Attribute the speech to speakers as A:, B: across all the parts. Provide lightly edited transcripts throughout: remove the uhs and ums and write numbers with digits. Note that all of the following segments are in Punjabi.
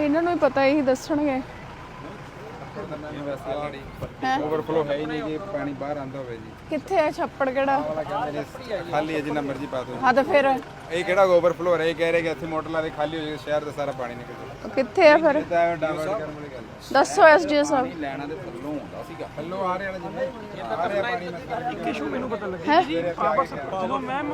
A: ਇਹਨਾਂ ਨੂੰ ਹੀ ਪਤਾ, ਇਹੀ ਦੱਸਣਗੇ।
B: ओवरफ्लो है ही नहीं जी, पानी बाहर आंदा होवे जी।
A: ਕਿੱਥੇ ਹੈ ਛੱਪੜ ਕਿਹੜਾ?
B: वाला कहंदे ने खाली है जिन्ना मर्जी पा दो।
A: ਹਾਂ ਤਾਂ ਫਿਰ
B: ਇਹ ਕਿਹੜਾ ਓਵਰਫਲੋ ਹੋ ਰਿਹਾ, ਇਹ ਕਹਿ ਰਹੇ ਕਿ ਇੱਥੇ ਮੋਟਰ ਲਾ ਦੇ ਖਾਲੀ ਹੋ ਜਾਏਗਾ, ਸ਼ਹਿਰ ਦਾ ਸਾਰਾ ਪਾਣੀ ਨਿਕਲ ਜਾਏਗਾ।
A: ਕਿੱਥੇ ਆ ਫਿਰ?
B: ਇਹ ਤਾਂ ਡਾਇਵਰਟ ਕਰਨ ਵਾਲੀ ਗੱਲ ਹੈ।
A: ਦੱਸੋ ਐਸਡੀਓ ਸਾਹਿਬ।
B: ਲੈਣਾ ਦੇ ਥੱਲੋਂ ਹੁੰਦਾ ਸੀਗਾ, ਥੱਲੋਂ ਆ ਰਿਹਾ ਨਾ ਜਿੰਨੇ ਆ ਰਿਹਾ ਪਾਣੀ ਮਤਲਬ
C: ਇਸ਼ੂ ਮੈਨੂੰ ਪਤਾ ਲੱਗਿਆ ਜੀ ਪਾਵਰ ਜਦੋਂ ਮੈਮ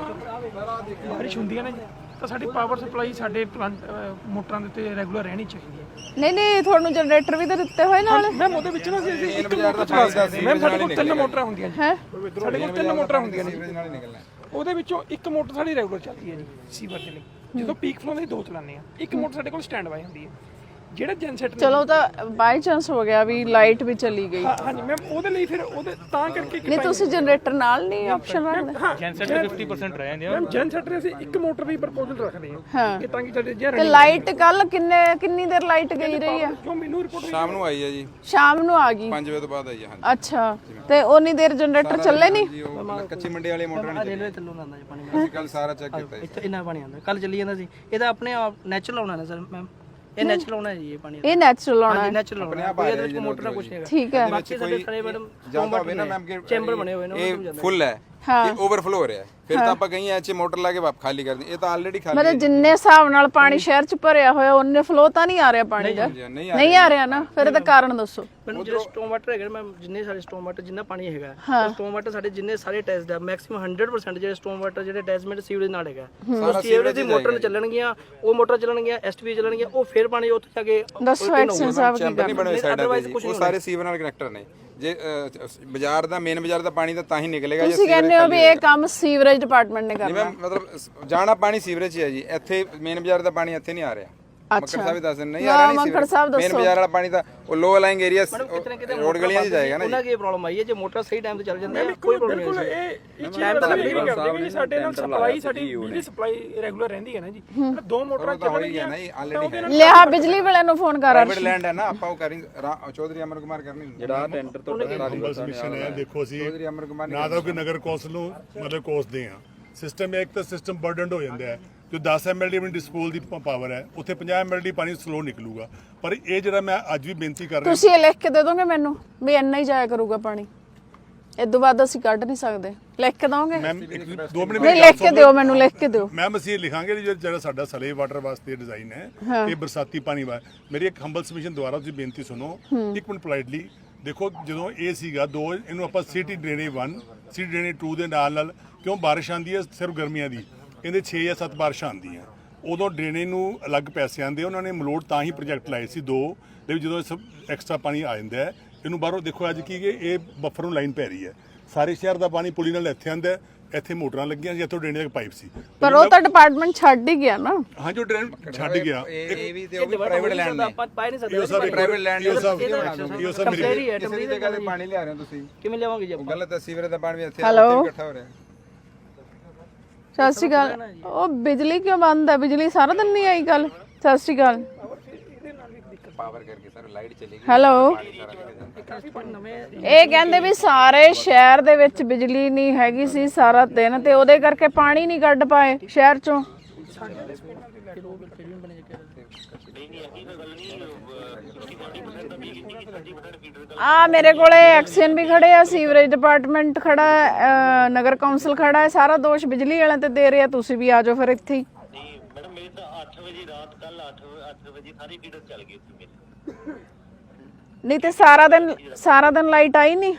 C: ਬਾਰਿਸ਼ ਹੁੰਦੀਆਂ ਨੇ ਤਾਂ ਸਾਡੀ ਪਾਵਰ ਸਪਲਾਈ ਸਾਡੇ ਮੋਟਰਾਂ ਦੇ ਉੱਤੇ ਰੈਗੂਲਰ ਰਹਿਣੀ ਚਾਹੀਦੀ ਹੈ।
A: ਨਹੀਂ ਤੁਹਾਨੂੰ ਜਨਰੇਟਰ ਵੀ ਤਾਂ ਦਿੱਤੇ ਹੋਏ ਨਾਲ।
C: ਮੈਮ ਉਹਦੇ ਵਿੱਚ ਨਾ ਅਸੀਂ ਇੱਕ
B: ਬਾਜ਼ਾਰ ਦਾ ਪਾਣੀ ਦਾ
C: ਮੈਮ ਸਾਡੇ ਕੋਲ 3 ਮੋਟਰਾਂ ਹੁੰਦੀਆਂ ਜੀ।
A: ਹੈ
C: ਸਾਡੇ ਕੋਲ 3 ਮੋਟਰਾਂ ਹੁੰਦੀਆਂ ਨੇ
B: ਸੀਵਰੇਜ ਨਾਲ ਹੀ ਨਿਕਲਣਾ।
C: ਉਹਦੇ ਵਿੱਚੋਂ ਇੱਕ ਮੋਟਰ ਸਾਡੀ ਰੈਗੂਲਰ ਚੱਲਦੀ ਹੈ ਜੀ ਸੀਵਰ ਦੇ ਲਈ। ਜਦੋਂ ਪੀਕ ਫਲੋ ਦੇ 2 ਚਲਾਉਂਦੇ ਆ, ਇੱਕ ਮੋਟਰ ਸਾਡੇ ਕੋਲ ਸਟੈਂਡ ਬਾਈ ਹੁੰਦੀ ਹੈ। ਜਿਹੜਾ ਜਨਸੈਟ
A: ਚਲੋ ਤਾਂ ਬਾਈ ਚਾਂਸ ਹੋ ਗਿਆ ਵੀ ਲਾਈਟ ਵੀ ਚਲੀ ਗਈ।
C: ਹਾਂਜੀ ਮੈਮ ਉਹਦੇ ਲਈ ਫਿਰ ਉਹਦੇ ਤਾਂ ਕਰਕੇ
A: ਨਹੀਂ ਤੁਸੀਂ ਜਨਰੇਟਰ ਨਾਲ ਨਹੀਂ ਆਪਸ਼ਨ ਰੱਖਦੇ?
C: ਜਨਸੈਟ 50% ਰਹਿ ਜਾਂਦੇ ਆ ਮੈਮ। ਜਨਸੈਟ ਦੇ ਅਸੀਂ ਇੱਕ ਮੋਟਰ ਦੀ ਪ੍ਰਪੋਜ਼ਲ ਰੱਖਦੇ ਹਾਂ
A: ਹਾਂ।
C: ਕਿ ਤਾਂ ਕਿ ਸਾਡੇ ਜੇ
A: ਤੇ ਲਾਈਟ ਕੱਲ ਕਿੰਨੀ ਦੇਰ ਲਾਈਟ ਗਈ ਰਹੀ ਆ?
C: ਕਿਉਂ ਮੈਨੂੰ ਰਿਪੋਰਟ
B: ਸ਼ਾਮ ਨੂੰ ਆਈ ਹੈ ਜੀ,
A: ਸ਼ਾਮ ਨੂੰ ਆ ਗਈ।
B: 5 ਵਜੇ ਤੋਂ ਬਾਅਦ ਆਈ ਹੈ। ਹਾਂਜੀ
A: ਅੱਛਾ, ਤੇ ਉਨੀ ਦੇਰ ਜਨਰੇਟਰ ਚੱਲੇ ਨਹੀਂ?
B: ਜੀ, ਉਹ ਕੱਚੀ ਮੰਡੀ ਵਾਲੀ ਮੋਟਰ ਨਹੀਂ
D: ਰੇਲਵੇ ਥੱਲੋਂ ਆਉਂਦਾ ਜੀ ਪਾਣੀ।
B: ਅਸੀਂ ਕੱਲ ਸਾਰਾ ਚੈੱਕ ਕੀਤਾ ਜੀ।
D: ਇੱਥੇ ਇੰਨਾ ਪਾਣੀ ਆਉਂਦਾ, ਕੱਲ ਚੱਲੀ ਜਾਂਦਾ ਸੀ। ਇਹਦਾ ਆਪਣੇ ਆਪ ਨੈਚੁਰਲ ਆਉਣਾ ਨਾ ਸਰ ਮੈਮ, ਇਹ ਨੈਚੁਰਲ ਆਉਣਾ ਹੈ ਜੀ ਇਹ ਪਾਣੀ।
A: ਇਹ ਨੈਚੁਰਲ ਆਉਣਾ ਹੈ।
D: ਨੈਚੁਰਲ ਆਉਣਾ ਕੋਈ ਇਹਦੇ ਵਿੱਚ ਮੋਟਰ ਦਾ ਕੁਝ ਨਹੀਂ ਹੈਗਾ।
A: ਠੀਕ ਹੈ।
D: ਬਾਕੀ ਸਾਡੇ ਸਾਰੇ ਮੈਡਮ
B: ਜਿਆਦਾ ਹੋਵੇ ਨਾ ਮੈਮ ਕਿ
D: ਚੈਂਬਰ ਬਣੇ ਹੋਏ ਨੇ,
B: ਇਹ ਫੁੱਲ ਹੈ ਇਹ ਓਵਰਫਲੋ ਹੋ ਰਿਹਾ ਹੈ, ਫਿਰ ਤਾਂ ਆਪਾਂ ਕਹੀਂ ਐਚ ਮੋਟਰ ਲਾ ਕੇ ਵਾਪ ਖਾਲੀ ਕਰ ਦੇ। ਇਹ ਤਾਂ ਆਲਰੇਡੀ ਖਾਲੀ
A: ਮਤਲਬ ਜਿੰਨੇ ਹਿਸਾਬ ਨਾਲ ਪਾਣੀ ਸ਼ਹਿਰ ਚ ਭਰਿਆ ਹੋਇਆ ਉਹਨੇ ਫਲੋ ਤਾਂ ਨਹੀਂ ਆ ਰਿਹਾ ਪਾਣੀ ਦਾ? ਨਹੀਂ ਆ ਰਿਹਾ ਨਾ, ਫਿਰ ਇਹਦਾ ਕਾਰਨ ਦੱਸੋ
D: ਮੈਨੂੰ। ਜਿਹੜੇ ਸਟੋਮ ਵਾਟਰ ਹੈਗੇ ਮੈਮ, ਜਿੰਨੇ ਸਾਰੇ ਸਟੋਮ ਵਾਟਰ ਜਿੰਨਾ ਪਾਣੀ ਹੈਗਾ, ਸਟੋਮ ਵਾਟਰ ਸਾਡੇ ਜਿੰਨੇ ਸਾਰੇ ਟੈਸਟ ਦਾ ਮੈਕਸਿਮਮ 100% ਜਿਹੜੇ ਸਟੋਮ ਵਾਟਰ ਜਿਹੜੇ ਅਟੈਚਮੈਂਟ ਸੀਵਰੇਜ ਨਾਲ ਹੈਗਾ, ਉਹ ਸੀਵਰੇਜ ਦੀ ਮੋਟਰ ਚੱਲਣਗੀਆਂ, ਉਹ ਮੋਟਰ ਚੱਲਣਗੀਆਂ, ਐਸਟੀਵੀ ਚੱਲਣਗੀਆਂ, ਉਹ ਫਿਰ ਪਾਣੀ ਉੱਥੇ ਜਾ ਕੇ
A: ਦੱਸੋ ਐਕਸ਼ਨ ਸਾਹਿਬ ਕੀ
B: ਨਹੀਂ ਬਣੇ ਸਾਈਡਾਂ ਤੇ ਜੀ, ਉਹ ਸਾਰੇ ਸੀਵਰ ਨਾਲ ਕਨੈਕਟਰ ਨੇ। ਜੇ ਬਾਜ਼ਾਰ ਦਾ ਮੇਨ ਬਾਜ਼ਾਰ ਦਾ ਪਾਣੀ ਤਾਂ ਹੀ ਨਿਕਲੇਗਾ।
A: ਤੁਸੀਂ ਕਹਿੰਦੇ ਹੋ ਵੀ ਇਹ ਕੰਮ ਸੀਵਰੇਜ ਡਿਪਾਰਟਮੈਂਟ ਨੇ ਕਰਨਾ?
B: ਮਤਲਬ ਜਾਣਾ ਪਾਣੀ ਸੀਵਰੇਜ 'ਚ ਹੈ ਜੀ, ਇੱਥੇ ਮੇਨ ਬਾਜ਼ਾਰ ਦਾ ਪਾਣੀ ਇੱਥੇ ਨਹੀਂ ਆ ਰਿਹਾ। ਮੱਕੜ ਸਾਹਿਬ ਦੱਸ ਨਹੀਂ ਆ ਰਿਹਾ,
A: ਮੱਕੜ ਸਾਹਿਬ ਦੱਸੋ।
B: ਮੇਨ ਬਾਜ਼ਾਰ ਵਾਲਾ ਪਾਣੀ ਤਾਂ ਉਹ ਲੋ ਲਾਈਂਗ ਏਰੀਆ ਰੋਡ ਗਲੀਆਂ 'ਚ ਜਾਏਗਾ ਨਾ ਜੀ।
D: ਉਹਨਾਂ ਕੀ ਪ੍ਰੋਬਲਮ ਆਈ ਹੈ ਜੇ ਮੋਟਰ ਸਹੀ ਟਾਈਮ ਤੇ ਚੱਲ ਜਾਂਦੀ ਹੈ, ਕੋਈ ਪ੍ਰੋਬਲਮ ਨਹੀਂ ਹੈ।
C: ਇਹ ਟਾਈਮ ਤਾਂ ਲੱਗਦੀ ਨਹੀਂ ਕਰਦੇ ਕਿ ਸਾਡੇ ਨਾਲ ਸਪਲਾਈ ਸਾਡੀ ਬਿਜਲੀ ਸਪਲਾਈ ਰੈਗੂਲਰ ਰਹਿੰਦੀ ਹੈ ਨਾ ਜੀ। 2 ਮੋਟਰਾਂ ਚੱਲਣਗੀਆਂ
B: ਨਹੀਂ ਆਲਰੇਡੀ
A: ਲਿਆ ਬਿਜਲੀ ਵਾਲਿਆਂ ਨੂੰ ਫੋਨ ਕਰ।
B: ਪ੍ਰਾਈਵੇਟ ਲੈਂਡ ਹੈ ਨਾ, ਆਪਾਂ ਉਹ ਕਰੀ ਚੌਧਰੀ ਅਮਰ ਕੁਮਾਰ ਕਰਨੀ ਜਿਹੜਾ ਟੈਂਡਰ ਤੋਂ
E: ਮਿਸ਼ਨ ਹੈ। ਦੇਖੋ ਅਸੀਂ ਨਾ ਤਾਂ ਕੋਈ ਨਗਰ ਕੌਂਸਲ ਨੂੰ ਮਤਲਬ ਕੋਸਦੇ ਆ, ਸਿਸਟਮ ਇੱਕ ਤਾਂ ਸਿਸਟਮ ਬਰਡਨਡ ਹੋ ਜਾਂਦਾ ਹੈ। ਜੋ 10 mld ਆਪਣੀ ਡਿਸਪੋਜ਼ਲ ਦੀ ਪਾਵਰ ਹੈ, ਉੱਥੇ 50 mld ਪਾਣੀ ਸਲੋ ਨਿਕਲੂਗਾ। ਪਰ ਇਹ ਜਿਹੜਾ ਮੈਂ ਅੱਜ ਵੀ ਬੇਨਤੀ ਕਰ ਰਿਹਾ,
A: ਤੁਸੀਂ ਇਹ ਲਿਖ ਕੇ ਦੇ ਦੋਗੇ ਮੈਨੂੰ ਵੀ ਇੰਨਾ ਹੀ ਜਾਇਆ ਕਰੂਗਾ ਪਾਣੀ, ਇਦੋਂ ਬਾਅਦ ਅਸੀਂ ਕੱਢ ਨਹੀਂ ਸਕਦੇ? ਲਿਖ ਕੇ ਦੋਗੇ?
E: ਮੈਮ 2 ਮਿੰਟ
A: ਨਹੀਂ ਲਿਖ ਕੇ ਦਿਓ, ਮੈਨੂੰ ਲਿਖ ਕੇ ਦਿਓ।
E: ਮੈਮ ਅਸੀਂ ਲਿਖਾਂਗੇ ਜਿਹੜਾ ਸਾਡਾ ਸਲੇ ਵਾਟਰ ਵਾਸਤੇ ਡਿਜ਼ਾਈਨ ਹੈ, ਇਹ ਬਰਸਾਤੀ ਪਾਣੀ ਵਾ। ਮੇਰੀ ਇੱਕ ਹੰਬਲ ਸਬਮਿਸ਼ਨ ਦੁਆਰਾ ਤੁਸੀਂ ਬੇਨਤੀ ਸੁਣੋ ਇੱਕ ਮਿੰਟ ਪੋਲਾਈਟਲੀ। ਦੇਖੋ ਜਦੋਂ ਇਹ ਸੀਗਾ 2 ਇਹਨੂੰ ਆਪਾਂ ਸਿਟੀ ਡਰੇਨੇਜ 1 ਸਿਟੀ ਡਰੇਨੇਜ 2 ਦੇ ਨਾਲ ਕਿਉਂ ਬਾਰਿਸ਼ ਆਉਂਦੀ ਹੈ ਸਿਰਫ ਗਰਮੀਆਂ ਦੀ, ਕਹਿੰਦੇ 6 ਜਾਂ 7 ਬਾਰਿਸ਼ਾਂ ਆਉਂਦੀਆਂ, ਉਦੋਂ ਡਰੇਨੇਜ ਨੂੰ ਅਲੱਗ ਪੈਸੇ ਆਉਂਦੇ। ਉਹਨਾਂ ਨੇ ਮਲੋਟ ਤਾਂ ਹੀ ਪ੍ਰੋਜੈਕਟ ਲਾਏ ਸੀ 2 ਦੇ ਜਦੋਂ ਐਕਸਟਰਾ ਪਾਣੀ ਆ ਜਾਂਦਾ ਹੈ ਇਹਨੂੰ ਬਾਹਰੋਂ। ਦੇਖੋ ਅੱਜ ਕੀ ਕਿ ਇਹ ਬਫਰ ਨੂੰ ਲਾਈਨ ਪੈ ਰਹੀ ਹੈ, ਸਾਰੇ ਸ਼ਹਿਰ ਦਾ ਪਾਣੀ ਪੁਲੀ ਨਾਲ ਇੱਥੇ ਆਉਂਦਾ, ਇੱਥੇ ਮੋਟਰਾਂ ਲੱਗੀਆਂ ਸੀ, ਇੱਥੋਂ ਡਰੇਨੇਜ ਤੱਕ ਪਾਈਪ ਸੀ।
A: ਪਰ ਉਹ ਤਾਂ ਡਿਪਾਰਟਮੈਂਟ ਛੱਡ ਹੀ ਗਿਆ ਨਾ।
E: ਹਾਂ ਜੋ ਡਰੇਨ ਛੱਡ ਗਿਆ,
B: ਇਹ ਵੀ ਤੇ ਉਹ ਵੀ ਪ੍ਰਾਈਵੇਟ ਲੈਂਡ ਨੇ।
D: ਆਪਾਂ ਪਾਈ ਨਹੀਂ ਸਕਦੇ।
E: ਇਹ ਸਭ
B: ਪ੍ਰਾਈਵੇਟ ਲੈਂਡ
E: ਇਹ ਸਭ ਮੇਰੀ
B: ਕਿਸੇ ਦੀ ਜਗ੍ਹਾ ਤੇ ਪਾਣੀ ਲਿਆ ਰਹੇ ਹੋ ਤੁਸੀਂ,
D: ਕਿਵੇਂ ਲਿਆਵਾਂਗੇ ਜੀ?
B: ਉਹ ਗਲਤ ਹੈ। ਸੀਵਰੇਜ ਦਾ ਪਾਣੀ ਵੀ ਇੱਥੇ
A: ਹੈਲੋ।
B: ਇਕੱਠਾ ਹੋ ਰਿਹਾ।
A: ਸਤਿ ਸ਼੍ਰੀ ਅਕਾਲ। ਉਹ ਬਿਜਲੀ ਕਿਉਂ ਬੰਦ ਹੈ? ਬਿਜਲੀ ਸਾਰਾ ਦਿਨ ਨਹੀਂ ਆਈ ਕੱਲ? ਸਤਿ ਸ਼੍ਰੀ ਅਕਾਲ।
B: ਪਾਵਰ ਕਰਕੇ ਸਰ ਲਾਈਟ ਚਲੀ ਗਈ।
A: ਹੈਲੋ। ਇਹ ਕਹਿੰਦੇ ਵੀ ਸਾਰੇ ਸ਼ਹਿਰ ਦੇ ਵਿੱਚ ਬਿਜਲੀ ਨਹੀਂ ਹੈਗੀ ਸੀ ਸਾਰਾ ਦਿਨ, ਤੇ ਉਹਦੇ ਕਰਕੇ ਪਾਣੀ ਨਹੀਂ ਕੱਢ ਪਾਏ ਸ਼ਹਿਰ ਚੋਂ। ਆ ਮੇਰੇ ਕੋਲੇ ਐਕਸ਼ਨ ਵੀ ਖੜੇ ਆ, ਸੀਵਰੇਜ ਡਿਪਾਰਟਮੈਂਟ ਖੜਾ ਹੈ, ਨਗਰ ਕੌਂਸਲ ਖੜਾ ਹੈ, ਸਾਰਾ ਦੋਸ਼ ਬਿਜਲੀ ਵਾਲਿਆਂ ਤੇ ਦੇ ਰਿਹਾ। ਤੁਸੀਂ ਵੀ ਆ ਜਾਓ ਫਿਰ ਇੱਥੇ ਹੀ।
F: ਨਹੀਂ ਮੈਡਮ ਮੇਰੇ ਤਾਂ 8 ਵਜੇ ਰਾਤ ਕੱਲ 8 ਵਜੇ ਸਾਰੀ ਫੀਡਰ ਚੱਲ ਗਈ ਸੀ ਮੇਰੀ।
A: ਨਹੀਂ ਤੇ ਸਾਰਾ ਦਿਨ ਲਾਈਟ ਆਈ ਨਹੀਂ?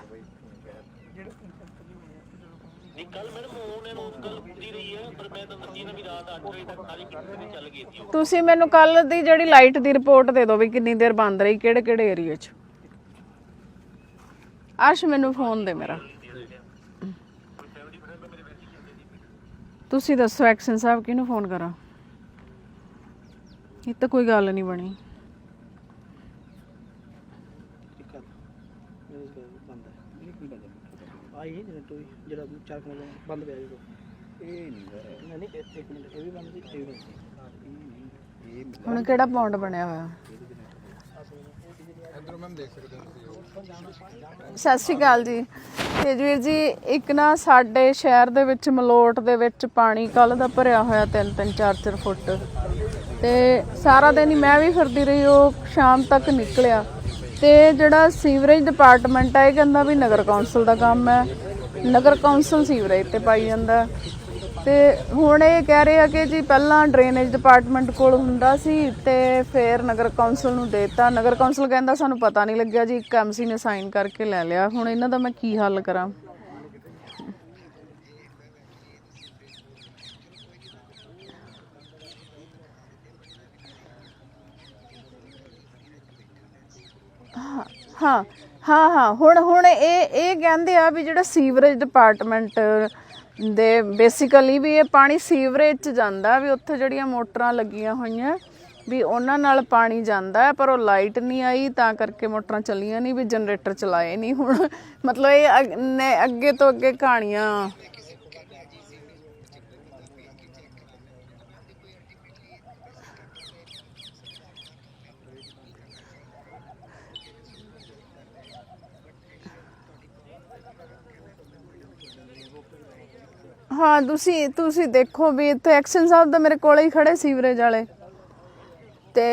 F: ਨਹੀਂ ਕੱਲ ਮੈਡਮ ਉਹਨਾਂ ਨੂੰ ਕੱਲ ਪੂਰੀ ਰਹੀ ਹੈ, ਪਰ ਮੈਂ ਤਾਂ ਦੱਸੀ ਨਾ ਵੀ ਰਾਤ 8 ਵਜੇ ਤੱਕ ਸਾਰੀ ਫੀਡਰ ਚੱਲ ਗਈ ਸੀ।
A: ਤੁਸੀਂ ਮੈਨੂੰ ਕੱਲ ਦੀ ਜਿਹੜੀ ਲਾਈਟ ਦੀ ਰਿਪੋਰਟ ਦੇ ਦਿਓ ਵੀ ਕਿੰਨੀ ਦੇਰ ਬੰਦ ਰਹੀ, ਕਿਹੜੇ ਏਰੀਆ 'ਚ। ਆਸ਼ ਮੈਨੂੰ ਫੋਨ ਦੇ ਮੇਰਾ। ਤੁਸੀਂ ਦੱਸੋ ਐਕਸ਼ਨ ਸਾਹਿਬ ਕਿਹਨੂੰ ਫੋਨ ਕਰਾਂ? ਇਹ ਤਾਂ ਕੋਈ ਗੱਲ ਨਹੀਂ ਬਣੀ।
D: ਆਈ ਜਿਹੜਾ 4 ਮਿੰਟ ਬੰਦ ਪਿਆ ਜੀ, ਇਹ ਨਹੀਂ ਇੱਕ ਮਿੰਟ ਇਹ ਵੀ ਬੰਦ ਸੀ, ਇਹ ਵੀ ਬੰਦ ਸੀ।
A: ਹੁਣ ਕਿਹੜਾ ਪੌਂਡ ਬਣਿਆ ਹੋਇਆ?
B: ਇਧਰੋਂ ਮੈਮ ਦੇਖ ਸਕਦੇ ਹੋ ਤੁਸੀਂ।
A: ਸਤਿ ਸ਼੍ਰੀ ਅਕਾਲ ਜੀ। ਤੇਜਵੀਰ ਜੀ, ਇੱਕ ਨਾ ਸਾਡੇ ਸ਼ਹਿਰ ਦੇ ਵਿੱਚ ਮਲੋਟ ਦੇ ਵਿੱਚ ਪਾਣੀ ਕੱਲ ਦਾ ਭਰਿਆ ਹੋਇਆ 3-3 4-4 ਫੁੱਟ, ਤੇ ਸਾਰਾ ਦਿਨ ਹੀ ਮੈਂ ਵੀ ਫਿਰਦੀ ਰਹੀ, ਉਹ ਸ਼ਾਮ ਤੱਕ ਨਿਕਲਿਆ। ਤੇ ਜਿਹੜਾ ਸੀਵਰੇਜ ਡਿਪਾਰਟਮੈਂਟ ਹੈ ਇਹ ਕਹਿੰਦਾ ਵੀ ਨਗਰ ਕੌਂਸਲ ਦਾ ਕੰਮ ਹੈ, ਨਗਰ ਕੌਂਸਲ ਸੀਵਰੇਜ ਤੇ ਪਾਈ ਜਾਂਦਾ। ਤੇ ਹੁਣ ਇਹ ਕਹਿ ਰਹੇ ਆ ਕਿ ਜੀ ਪਹਿਲਾਂ ਡਰੇਨੇਜ ਡਿਪਾਰਟਮੈਂਟ ਕੋਲ ਹੁੰਦਾ ਸੀ ਤੇ ਫਿਰ ਨਗਰ ਕੌਂਸਲ ਨੂੰ ਦੇਤਾ। ਨਗਰ ਕੌਂਸਲ ਕਹਿੰਦਾ ਸਾਨੂੰ ਪਤਾ ਨਹੀਂ ਲੱਗਿਆ ਜੀ, ਇੱਕ ਐਮਸੀ ਨੇ ਸਾਈਨ ਕਰਕੇ ਲੈ ਲਿਆ। ਹੁਣ ਇਹਨਾਂ ਦਾ ਮੈਂ ਕੀ ਹੱਲ ਕਰਾਂ? ਹਾਂ ਹੁਣ ਇਹ ਕਹਿੰਦੇ ਆ ਵੀ ਜਿਹੜਾ ਸੀਵਰੇਜ ਡਿਪਾਰਟਮੈਂਟ ਦੇ ਬੇਸਿਕਲੀ ਵੀ ਇਹ ਪਾਣੀ ਸੀਵਰੇਜ 'ਚ ਜਾਂਦਾ, ਵੀ ਉੱਥੇ ਜਿਹੜੀਆਂ ਮੋਟਰਾਂ ਲੱਗੀਆਂ ਹੋਈਆਂ ਵੀ ਉਹਨਾਂ ਨਾਲ ਪਾਣੀ ਜਾਂਦਾ ਹੈ, ਪਰ ਉਹ ਲਾਈਟ ਨਹੀਂ ਆਈ ਤਾਂ ਕਰਕੇ ਮੋਟਰਾਂ ਚੱਲੀਆਂ ਨਹੀਂ, ਵੀ ਜਨਰੇਟਰ ਚਲਾਏ ਨਹੀਂ। ਹੁਣ ਮਤਲਬ ਇਹ ਅੱਗੇ ਤੋਂ ਅੱਗੇ ਕਹਾਣੀਆਂ। ਹਾਂ ਤੁਸੀਂ ਦੇਖੋ ਵੀ ਇੱਥੇ ਐਕਸ਼ਨ ਸਾਹਿਬ ਦਾ ਮੇਰੇ ਕੋਲੇ ਹੀ ਖੜੇ ਸੀਵਰੇਜ ਵਾਲੇ ਤੇ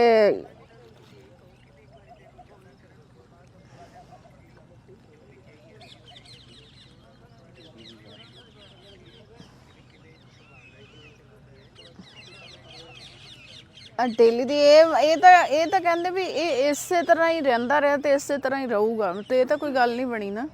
A: ਡੇਲੀ ਦੀ ਇਹ ਤਾਂ ਕਹਿੰਦੇ ਵੀ ਇਹ ਇਸੇ ਤਰ੍ਹਾਂ ਹੀ ਰਹਿੰਦਾ ਰਿਹਾ ਤੇ ਇਸੇ ਤਰ੍ਹਾਂ ਹੀ ਰਹੂਗਾ, ਤੇ ਇਹ ਤਾਂ ਕੋਈ ਗੱਲ ਨਹੀਂ ਬਣੀ ਨਾ।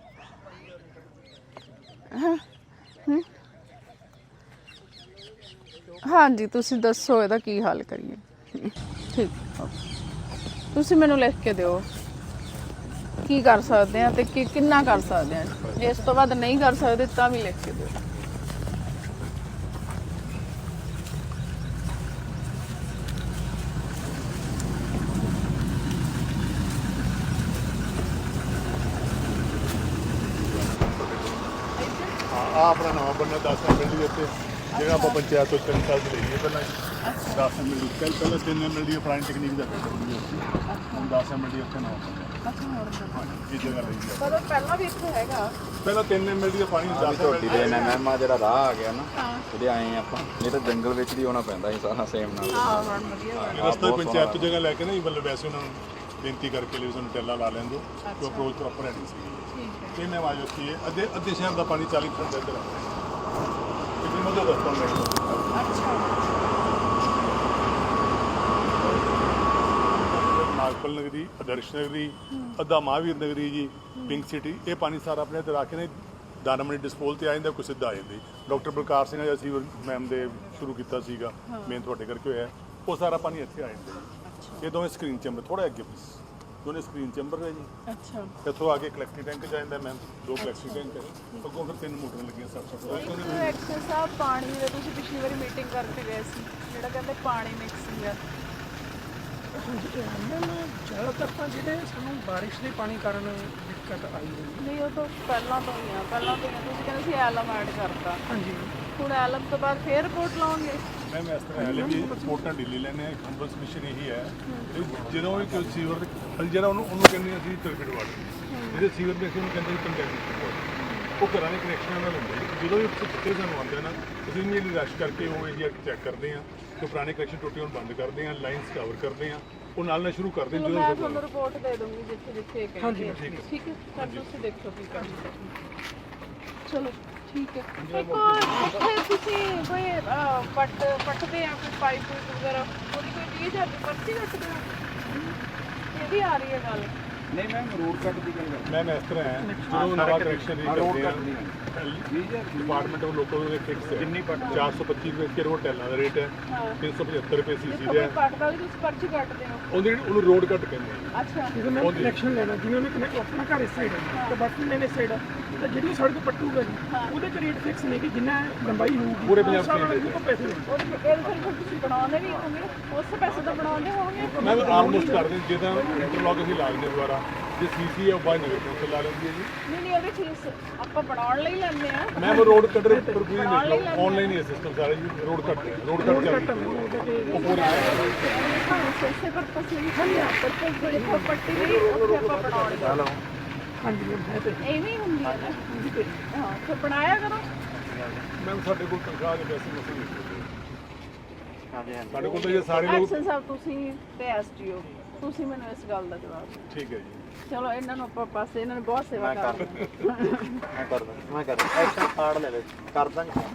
A: ਹਾਂਜੀ ਤੁਸੀਂ ਦੱਸੋ ਇਹਦਾ ਕੀ ਹੱਲ ਕਰੀਏ? ਠੀਕ, ਤੁਸੀਂ ਮੈਨੂੰ ਲਿਖ ਕੇ ਦਿਓ ਕੀ ਕਰ ਸਕਦੇ ਆ ਤੇ ਕਿੰਨਾ ਕਰ ਸਕਦੇ ਆ। ਇਸ ਤੋਂ ਬਾਅਦ ਨਹੀਂ ਕਰ ਸਕਦੇ ਤਾਂ ਵੀ ਲਿਖ ਕੇ ਦਿਓ।
E: ਆਪਣਾ ਨਵਾਂ ਬੰਨਾ 10 ਮਿੰਟ ਦੀ ਉੱਤੇ ਜਿਹੜਾ ਆਪਾਂ ਪੰਚਾਇਤ ਤੋਂ 3 ਸਾਲ ਦੀ ਲਈਏ ਪਹਿਲਾਂ 10 ਮਿੰਟ ਦੀ ਪਹਿਲਾਂ 3 ਮਿੰਟ ਦੀ ਪੁਰਾਣੀ ਟੈਕਨੀਕ ਦਾ ਫਿਲਟਰ ਹੁੰਦੀ ਸੀ, ਹੁਣ 10 ਮਿੰਟ ਦੀ ਉੱਥੇ ਨਵਾਂ ਬੰਨਾ। ਅੱਛਾ, ਹੁਣ ਇਹ ਜਗ੍ਹਾ ਲਈ ਹੈ।
A: ਪਰ ਪਹਿਲਾਂ ਵੀ ਇੱਥੇ ਹੈਗਾ,
E: ਪਹਿਲਾਂ 3 ਮਿੰਟ ਦੀ ਪਾਣੀ 10
B: ਝੋਟੀ ਦੇ ਐਨਐਮ ਆ ਜਿਹੜਾ ਰਾਹ ਆ ਗਿਆ ਨਾ, ਉਹਦੇ ਆਏ ਆਪਾਂ, ਇਹ ਤਾਂ ਜੰਗਲ ਵਿੱਚ ਦੀ ਆਉਣਾ ਪੈਂਦਾ ਸੀ ਸਾਰਾ ਸੇਮ ਨਾਲ।
A: ਹਾਂ ਹੁਣ ਵਧੀਆ
E: ਰਸਤਾ ਪੰਚਾਇਤ ਤੋਂ ਜਗ੍ਹਾ ਲੈ ਕੇ ਨਾ ਮਤਲਬ ਵੈਸੇ ਉਹਨਾਂ ਨੂੰ ਬੇਨਤੀ ਕਰਕੇ ਲਈ ਸਾਨੂੰ ਟੈਲਾ ਲਾ ਲੈਣ ਦਿਓ ਕਿ ਅਪਰੋਚ ਪ੍ਰੋਪਰ ਹੈ ਨਹੀਂ ਸੀ। ਇਹ ਮੈਂ ਆਵਾਜ਼ ਉੱਠੀ ਹੈ ਅੱਧੇ ਸ਼ਹਿਰ ਦਾ ਪਾਣੀ 40% ਇੱਧਰ ਆ ਲੇਕਿਨ ਮਜ਼ਾ ਦੱਸਦਾ ਨਾਗਪਲ ਨਗਰੀ, ਆਦਰਸ਼ ਨਗਰੀ, ਅੱਧਾ ਮਹਾਂਵੀਰ ਨਗਰੀ ਜੀ, ਪਿੰਕ ਸਿਟੀ, ਇਹ ਪਾਣੀ ਸਾਰਾ ਆਪਣੇ ਇੱਧਰ ਆ ਕੇ ਨੇ ਦਾਨਾਮਣੀ ਡਿਸਪੋਲ ਤੇ ਆ ਜਾਂਦਾ, ਕੁਛ ਸਿੱਧਾ ਆ ਜਾਂਦੀ। ਡਾਕਟਰ ਬਲਕਾਰ ਸਿੰਘ ਅਸੀਂ ਮੈਮ ਦੇ ਸ਼ੁਰੂ ਕੀਤਾ ਸੀਗਾ, ਮੇਨ ਤੁਹਾਡੇ ਕਰਕੇ ਹੋਇਆ, ਉਹ ਸਾਰਾ ਪਾਣੀ ਇੱਥੇ ਆ ਜਾਂਦਾ। ਇਹ ਦੋਵੇਂ ਸਕਰੀਨ ਚੈਂਬਰ ਥੋੜਾ ਅੱਗੇ ਪਲੀਜ਼, ਦੋਨੇ ਸਕਰੀਨ ਚੈਂਬਰ ਹੈ ਜੀ।
A: ਅੱਛਾ,
E: ਇੱਥੋਂ ਆ ਕੇ ਕਲੈਕਟਿੰਗ ਟੈਂਕ ਚ ਜਾਂਦਾ ਮੈਮ, 2 ਕਲੈਕਟਿੰਗ ਟੈਂਕ ਹੈ, ਅੱਗੋਂ ਫਿਰ 3 ਮੋਟਰਾਂ ਲੱਗੀਆਂ ਸਭ।
A: ਐਕਸ਼ਨ ਸਾਹਿਬ ਪਾਣੀ ਦੇ ਤੁਸੀਂ ਪਿਛਲੀ ਵਾਰੀ ਮੀਟਿੰਗ ਕਰਕੇ ਗਏ ਸੀ, ਜਿਹੜਾ ਕਹਿੰਦੇ ਪਾਣੀ ਮਿਕਸਿੰਗ ਹੈ।
C: ਜ਼ਿਆਦਾਤਰ ਤਾਂ ਜਿਹੜੇ ਸਾਨੂੰ ਬਾਰਿਸ਼ ਦੇ ਪਾਣੀ ਕਾਰਨ ਦਿੱਕਤ ਆਈ ਹੋਈ ਹੈ।
A: ਨਹੀਂ ਉਹ ਤਾਂ ਪਹਿਲਾਂ ਤੋਂ ਹੀ ਆ, ਤੁਸੀਂ ਕਹਿੰਦੇ ਸੀ ਐਲਮ ਐਡ ਕਰਤਾ।
C: ਹਾਂਜੀ,
A: ਹੁਣ ਐਲਮ ਤੋਂ ਬਾਅਦ ਫੇਰ ਰਿਪੋਰਟ ਲਾਉਂਗੇ।
E: ਮੈਮ ਇਸ ਤਰ੍ਹਾਂ ਹੈ ਵੀ ਰਿਪੋਰਟਾਂ ਢਿੱਲੀ ਲੈਣੇ ਆ, ਹੰਬਲ ਸਬਮਿਸ਼ਨ ਇਹੀ ਹੈ ਜਦੋਂ ਵੀ ਕੋਈ ਸੀਵਰ ਜਿਹੜਾ ਉਹਨੂੰ ਕਹਿੰਦੇ ਅਸੀਂ ਟਰਬਿਡ ਵਾਟਰ, ਜਿਹੜੇ ਸੀਵਰ ਦੇ ਅਸੀਂ ਉਹਨੂੰ ਕਹਿੰਦੇ ਕੰਟੈਕਟ ਵਾਟਰ, ਉਹ ਘਰਾਂ ਦੇ ਕਨੈਕਸ਼ਨਾਂ ਨਾਲ ਹੁੰਦੇ। ਜਦੋਂ ਵੀ ਚਿੱਟੇ ਸਾਨੂੰ ਆਉਂਦੇ ਨਾ, ਅਸੀਂ ਇਮੀਡੀਏਟਲੀ ਰਸ਼ ਕਰਕੇ ਉਹ ਏਰੀਆ ਚੈੱਕ ਕਰਦੇ ਹਾਂ ਕਿ ਪੁਰਾਣੇ ਕਨੈਕਸ਼ਨ ਟੁੱਟੇ ਹੋਣ ਬੰਦ ਕਰਦੇ ਹਾਂ, ਲਾਈਨਸ ਕਵਰ ਕਰਦੇ ਹਾਂ, ਉਹ ਨਾਲ ਸ਼ੁਰੂ ਕਰਦੇ ਹਾਂ।
A: ਮੈਂ ਤੁਹਾਨੂੰ ਰਿਪੋਰਟ ਦੇ ਦੂੰਗੀ ਜਿੱਥੇ
C: ਹਾਂਜੀ
A: ਠੀਕ ਹੈ ਸਰ, ਤੁਸੀਂ ਦੇਖੋ ਕੀ ਕਰਨਾ। ਚਲੋ ਠੀਕ ਹੈ। ਇੱਕ ਇੱਥੇ ਤੁਸੀਂ ਕੋਈ ਪੱਟਦੇ ਆ ਕੋਈ ਪਾਈਪ ਵਗੈਰਾ, ਉਹਦੀ ਕੋਈ 20,000 ਦੀ ਪਰਚੀ ਕੱਟਦੇ ਹੋ? ਇਹ ਵੀ ਆ ਰਹੀ ਹੈ ਗੱਲ?
B: ਨਹੀਂ ਮੈਮ, ਰੋਡ ਕੱਟ ਦੀ ਗੱਲ ਕਰ।
E: ਮੈਮ ਇਸ ਤਰ੍ਹਾਂ ਹੈ ਜਦੋਂ ਨਵਾਂ ਕਨੈਕਸ਼ਨ ਵੀ ਕਰਦੇ ਆ ਡਿਪਾਰਟਮੈਂਟ ਉਹ ਲੋਕਾਂ ਦੇ ਫਿਕਸ ਹੈ, ਕਿੰਨੀ ਪੱਟ 425 ਰੁਪਏ ਕਿ ਰੋਡ ਟੈਲਾਂ ਦਾ ਰੇਟ ਹੈ, 375 ਰੁਪਏ ਸੀਸੀ ਦਾ ਹੈ।
A: ਪੱਟਦਾ ਵੀ ਤੁਸੀਂ ਪਰਚੀ ਕੱਟਦੇ ਹੋ?
E: ਉਹਨੂੰ ਰੋਡ ਕੱਟ ਕਹਿੰਦੇ ਆ।
A: ਅੱਛਾ,
C: ਜਦੋਂ ਮੈਂ ਕਨੈਕਸ਼ਨ ਲੈਣਾ, ਜਿਵੇਂ ਉਹਨੇ ਆਪਣਾ ਘਰ ਇਸ ਸਾਈਡ ਹੈ ਤੇ ਬਾਕੀ ਲੈਣੇ ਸਾਈਡ ਹੈ, ਤਾਂ ਜਿਹੜੀ ਸੜਕ ਪੱਟੂਗਾ ਜੀ ਉਹਦੇ ਤੇ ਰੇਟ ਫਿਕਸ ਨੇ ਕਿ ਜਿੰਨਾ ਲੰਬਾਈ ਹੋਊਗੀ
E: ਪੂਰੇ ਪੰਜਾਬ ਦੇ
C: ਉਹ ਪੈਸੇ ਲੈਣੇ।
A: ਉਹਦੇ ਫਿਰ ਤੁਸੀਂ ਬਣਾਉਂਦੇ ਵੀ ਹੋਵੋਗੇ, ਉਸ ਪੈਸੇ ਤੋਂ ਬਣਾਉਂਦੇ ਹੋਵੋਗੇ?
E: ਮੈਂ ਆਲਮੋਸਟ ਕਰਦੇ ਜਿੱਦਾਂ ਇੰਟਰਲੌਕ ਅਸੀਂ ਲਾ ਦਿੰਦੇ ਦੁਬਾਰਾ, ਜੇ ਸੀਸੀ ਹੈ ਉਹ ਬਾਅਦ ਨਗਰ ਕੌਂਸਲ ਲਾ ਲੈਂਦੀ ਹੈ ਜੀ।
A: ਨਹੀਂ ਉਹਦੇ ਚੀਜ਼ ਆਪਾਂ ਬਣਾਉਣ ਲਈ ਲੈਂਦੇ ਆ।
E: ਮੈਮ ਰੋਡ ਕੱਟ ਰਹੇ ਪਰ ਪੂਰੀ ਦੇਖ ਲਓ, ਆਨਲਾਈਨ ਹੀ ਸਿਸਟਮ ਸਾਰਾ ਜੀ। ਰੋਡ ਕੱਟ ਚੱਲ ਉਹ ਪੂਰੇ
A: ਇਸੇ ਪਰ ਤਸਵੀਰ ਖਾਲੀ ਆ ਪਰ ਕੋਈ ਪੱਟੀ ਵੀ ਉੱਥੇ ਆਪਾਂ ਬਣਾਉਣੀ ਆ।
C: ਹਾਂਜੀ ਹੈ ਤੇ
A: ਐਵੇਂ ਹੀ ਹੁੰਦੀ ਹੈ ਨਾ। ਹਾਂ ਫਿਰ ਬਣਾਇਆ ਕਰੋ।
E: ਮੈਮ ਸਾਡੇ ਕੋਲ ਤਨਖਾਹ ਦੇ ਪੈਸੇ ਮਸੂਲ ਨਹੀਂ ਸਾਡੇ ਕੋਲ ਤਾਂ ਇਹ ਸਾਰੇ ਲੋਕ
A: ਐਕਸ਼ਨ ਸਾਹਿਬ ਤੁਸੀਂ ਤੇ ਐਸਟੀਓ ਤੁਸੀਂ ਮੈਨੂੰ ਇਸ ਗੱਲ ਦਾ ਜਵਾਬ ਦਿਓ।
E: ਠੀਕ ਹੈ ਜੀ।
A: ਚਲੋ ਇਹਨਾਂ ਨੂੰ ਆਪਾਂ ਪਾਸੇ, ਇਹਨਾਂ ਨੇ ਬਹੁਤ ਸੇਵਾ ਕਰ
G: ਮੈਂ ਕਰ ਦਾਂ ਐਕਸ਼ਨ ਕਾਰਡ ਲੈ ਲੈ ਕਰ ਦਾਂਗੇ